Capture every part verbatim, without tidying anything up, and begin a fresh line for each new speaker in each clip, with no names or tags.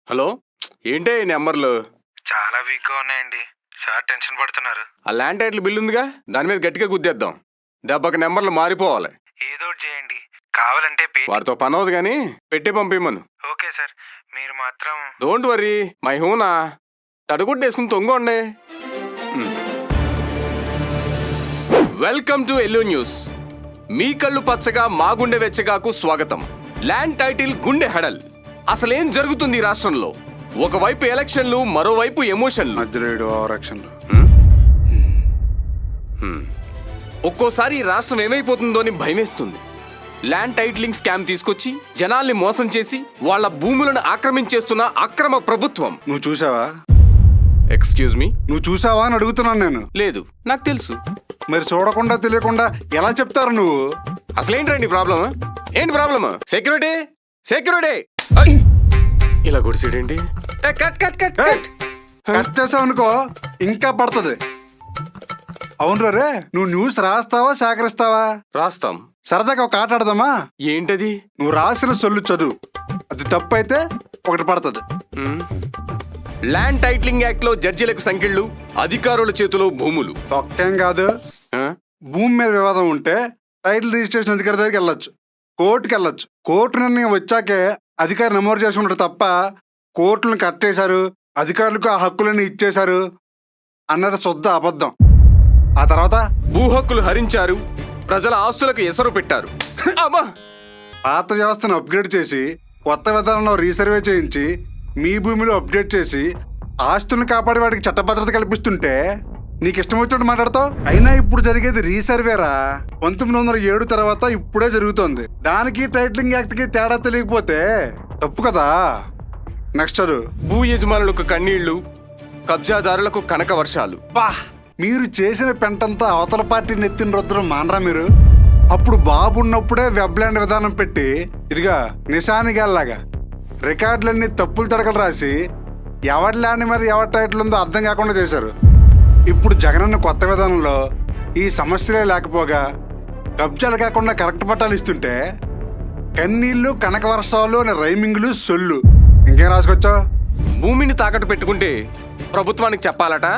Hello, ఏంటే ఈ నెంబర్లు?
చాలా వీక్గా ఉన్నాయండి సార్, టెన్షన్ పడుతున్నారు.
ఆ ల్యాండ్ టైటిల్ బిల్ ఉందిగా, దాని మీద గట్టిగా గుద్దేద్దాం. దెబ్బకి నెంబర్లు మారిపోవాలి.
ఏదో ఒకటి చేయండి, కావాలంటే పే.
వారితో పని అవదు కానీ పెట్టి పంపిమ్మను.
ఓకే సార్, మీరు మాత్రం.
డోంట్ వరీ, మై హూనా. తడుగుడ్డు వేసుకుని తొంగండి. Welcome to yellow news. మీ కళ్ళు పచ్చగా మా గుండె వెచ్చగాకు స్వాగతం. ల్యాండ్ టైటిల్ గుండె హెడల్. అసలేం జరుగుతుంది ఈ రాష్ట్రంలో? ఒకవైపు ఎలక్షన్లు, మరోవైపు ఎమోషన్లు. ఒక్కోసారి ఈ రాష్ట్రం ఏమైపోతుందో అని భయమేస్తుంది. ల్యాండ్ టైటిలింగ్ స్కామ్ తీసుకొచ్చి జనాల్ని మోసం చేసి వాళ్ళ భూములను ఆక్రమించేస్తున్న అక్రమ ప్రభుత్వం.
నువ్వు చూసావా?
ఎక్స్క్యూజ్ మీ,
నువ్వు చూసావా అని అడుగుతున్నాను నేను.
లేదు, నాకు తెలుసు.
మరి చూడకుండా తెలియకుండా ఎలా చెప్తారు నువ్వు?
అసలేంటండి ప్రాబ్లమ్? ఏంటి ప్రాబ్లమ్? సెక్యూరిటీ సెక్యూరిటీ ఇలా గుడిసేడేంటి? Cut cut cut cut
cut చేసావు అనుకో ఇంకా పడుతుంది. అవును రే, నువ్వు న్యూస్ రాస్తావా సేకరిస్తావా?
రాస్తాం.
సరదాగా ఒక ఆట ఆడదామా?
ఏంటది?
నువ్వు రాసిన సొల్లు చదువు, అది తప్పు అయితే ఒకటి పడుతుంది.
ల్యాండ్ టైటిలింగ్ యాక్ట్ లో జడ్జిలకు సంఖ్యలు, అధికారుల చేతిలో భూములు.
ఒక్కేం కాదు,
ఆ?
భూమి మీద వివాదం ఉంటే టైటిల్ రిజిస్ట్రేషన్ అధికారి దగ్గరికి వెళ్ళొచ్చు, కోర్టుకి వెళ్ళొచ్చు. కోర్టు నిర్ణయం వచ్చాకే అధికారి నమోదు చేసుకుంటారు తప్ప కోర్టులను కట్టేశారు, అధికారులకు ఆ హక్కులను ఇచ్చేశారు అన్నది శుద్ధ అబద్ధం. ఆ తర్వాత
భూ హక్కులు హరించారు, ప్రజల ఆస్తులకు ఎసరు పెట్టారు. అమ్మా!
పాత వ్యవస్థను అప్గ్రేడ్ చేసి కొత్త విధానంలో రీసర్వే చేయించి మీ భూమిలో అప్డేట్ చేసి ఆస్తులను కాపాడే వాడికి చట్టభద్రత కల్పిస్తుంటే నీకు ఇష్టం వచ్చినట్టు మాట్లాడతావు. అయినా ఇప్పుడు జరిగేది రీసర్వేరా. పంతొమ్మిది వందల ఏడు తర్వాత ఇప్పుడే జరుగుతోంది. దానికి టైటిలింగ్ యాక్ట్ కి తేడా తెలియకపోతే తప్పు కదా. నెక్స్ట్ చదువు.
భూ యజమానులకు కన్నీళ్లు, కబ్జాదారులకు కనక వర్షాలు.
బా, మీరు చేసిన పెంటంతా అవతల పార్టీ నెత్తిన రుద్రం మానరా మీరు? అప్పుడు బాబు ఉన్నప్పుడే వెబ్లాండ్ విధానం పెట్టి ఇదిగా నిశానిగాల్లాగా రికార్డులన్నీ తప్పులు తడకలు రాసి ఎవరి ల్యాండ్ మీద ఎవరి టైటిల్ ఉందో అర్థం కాకుండా చేశారు. ఇప్పుడు జగనన్న కొత్త విధానంలో ఈ సమస్యలే లేకపోగా కబ్జాలు కాకుండా కరెక్ట్ పట్టాలు ఇస్తుంటే కన్నీళ్లు, కనక వర్షాలు అనే రైమింగ్లు, సొల్లు ఇంకేం రాసుకొచ్చావు?
భూమిని తాకట్టు పెట్టుకుంటే ప్రభుత్వానికి చెప్పాలట,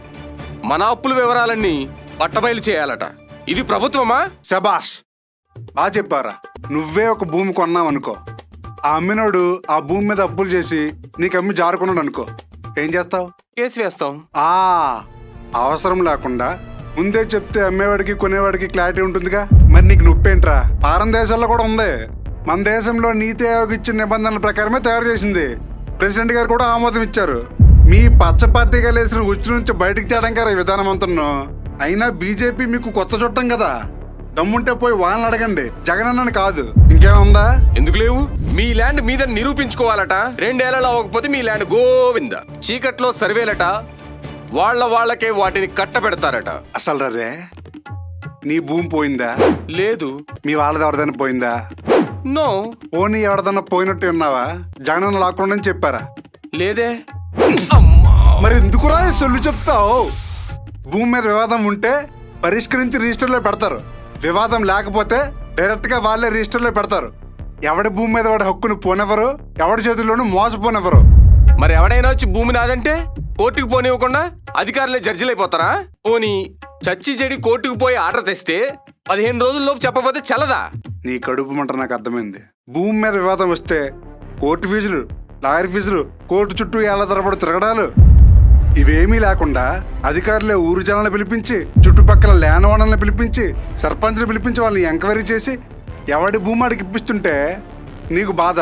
మన అప్పుల వివరాలన్నీ పట్టబయలు చేయాలట. ఇది ప్రభుత్వమా?
శబాష్, బాగా చెప్పారా. నువ్వే ఒక భూమి కొన్నావనుకో, ఆ అమ్మినోడు ఆ భూమి మీద అప్పులు చేసి నీకు అమ్మి జారుకున్నాడు అనుకో, ఏం చేస్తావు?
కేసు వేస్తాం.
ఆ అవసరం లేకుండా ముందే చెప్తే అమ్మేవాడికి కొనేవాడికి క్లారిటీ ఉంటుందిగా. మరి నీకు నొప్పేంట్రా? పారం దేశాల్లో కూడా ఉంది. మన దేశంలో నీతి ఆయోగ్ ఇచ్చిన నిబంధనల ప్రకారమే తయారు చేసింది. ప్రెసిడెంట్ గారు కూడా ఆమోదం ఇచ్చారు. మీ పచ్చ పార్టీగా లేసిన ఉచ్చు నుంచి బయటికి తేడం గారు ఈ విధానం అంటున్నా. అయినా బీజేపీ మీకు కొత్త చుట్టం కదా, దమ్ముంటే పోయి వాళ్ళని అడగండి, జగనన్నని కాదు. ఇంకేముందా?
ఎందుకు లేవు? మీ ల్యాండ్ మీద నిరూపించుకోవాలట. రెండేళ్లలో అవ్వకపోతే మీ ల్యాండ్ గోవింద. చీకట్లో సర్వేలట, వాళ్ళ వాళ్ళకే వాటిని కట్టబెడతారట.
అసలు రే, నీ భూమి పోయిందా?
లేదు.
మీ వాళ్ళది ఎవరిదైనా పోయిందా?
నో.
పోనీ ఎవరిదన్నా పోయినట్టు ఉన్నావా? జగనన్న లాక్కుండా చెప్పారా?
లేదే.
మరి ఎందుకురా సొల్లు చెప్తావు? భూమి మీద వివాదం ఉంటే పరిష్కరించి రిజిస్టర్లో పెడతారు, వివాదం లేకపోతే డైరెక్ట్ గా వాళ్ళే రిజిస్టర్లో పెడతారు. ఎవడి భూమి మీద వాడి హక్కును పోనెవరు, ఎవడి చేతుల్లోనూ మోసపోనెవరు.
మరి ఎవడైనా వచ్చి భూమి నాదంటే కోర్టుకు పోనివ్వకుండా అధికారులే జడ్జిలైపోతారా? పోనీ చచ్చి చెడి కోర్టుకు పోయి ఆర్డర్ తెస్తే పదిహేను రోజుల్లోపు చెప్పబోతే చల్లదా?
నీ కడుపు మంట నాకు అర్థమైంది. భూమి మీద వివాదం వస్తే కోర్టు ఫీజులు, లాయర్ ఫీజులు, కోర్టు చుట్టూ ఏళ్ల తరబడి తిరగడాలు, ఇవేమీ లేకుండా అధికారులే ఊరు జనాలను పిలిపించి, చుట్టుపక్కల ల్యాండ్ ఓనర్లను పిలిపించి, సర్పంచ్ని పిలిపించి వాళ్ళని ఎంక్వైరీ చేసి ఎవడి భూమి ఆడికి ఇప్పిస్తుంటే నీకు బాధ.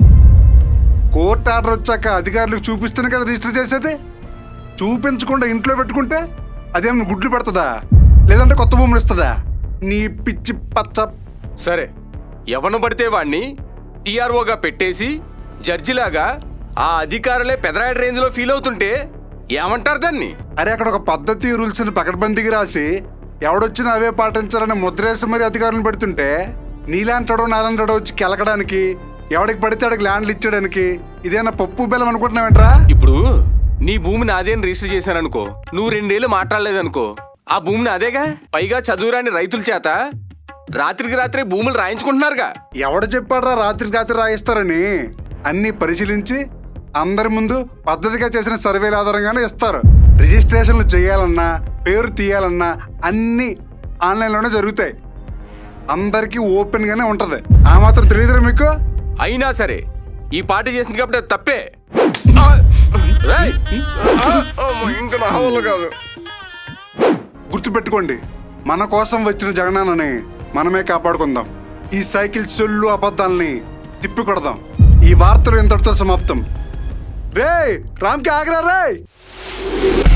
కోర్టు ఆర్డర్ వచ్చాక అధికారులకు చూపిస్తేనే కదా రిజిస్టర్ చేసేది. చూపించకుండా ఇంట్లో పెట్టుకుంటే అదేమన్నా గుడ్లు పెడుతుందా, లేదంటే కొత్త భూములు ఇస్తుందా? నీ పిచ్చి పచ్చ.
సరే, ఎవను పడితే వాణ్ణి టీఆర్ఓగా పెట్టేసి జడ్జిలాగా ఆ అధికారులే పెదరాయడ రేంజ్ లో ఫీల్ అవుతుంటే ఏమంటారు దాన్ని?
అరే, అక్కడ ఒక పద్ధతి రూల్స్ ని పకడ్బందీకి రాసి ఎవడొచ్చినా అవే పాటించాలని ముద్రేసి మరి అధికారులను పెడుతుంటే నీలాంటాడో నాలంటాడో వచ్చి కెలకడానికి, ఎవడికి పడితే అడికి ల్యాండ్లు ఇచ్చేయడానికి ఇదేనా పప్పు బెల్లం అనుకుంటున్నావేంట్రా?
ఇప్పుడు నీ భూమిని అదేని రిజిస్టర్ చేశాననుకో, నువ్వు రెండేళ్ళు మాట్లాడలేదనుకో, ఆ భూమిని అదేగా. పైగా చదువురాని రైతుల చేత రాత్రికి రాత్రి భూములు రాయించుకుంటున్నారుగా.
ఎవడు చెప్పాడ్రా రాత్రికి రాత్రి రాయిస్తారని? అన్ని పరిశీలించి అందరి ముందు పద్ధతిగా చేసిన సర్వేల ఆధారంగానే ఇస్తారు. రిజిస్ట్రేషన్లు చేయాలన్నా పేరు తీయాలన్నా అన్నీ ఆన్లైన్లోనే జరుగుతాయి. అందరికీ ఓపెన్గానే ఉంటుంది. ఆ మాత్రం తెలియదురా మీకు?
అయినా సరే ఈ పార్టీ చేసింది కాబట్టి అది తప్పే. ఆ! రేయ్! ఆ! అమ్మో, ఇంకా నా వల్ల కాదు.
గుర్తుపెట్టుకోండి, మన కోసం వచ్చిన జగనాన్నని మనమే కాపాడుకుందాం. ఈ సైకిల్ సొల్లు అబద్ధాలని తిప్పి కొడదాం. ఈ వార్తలు ఇంతటితో సమాప్తం. రే రామ్కి ఆగరా రే.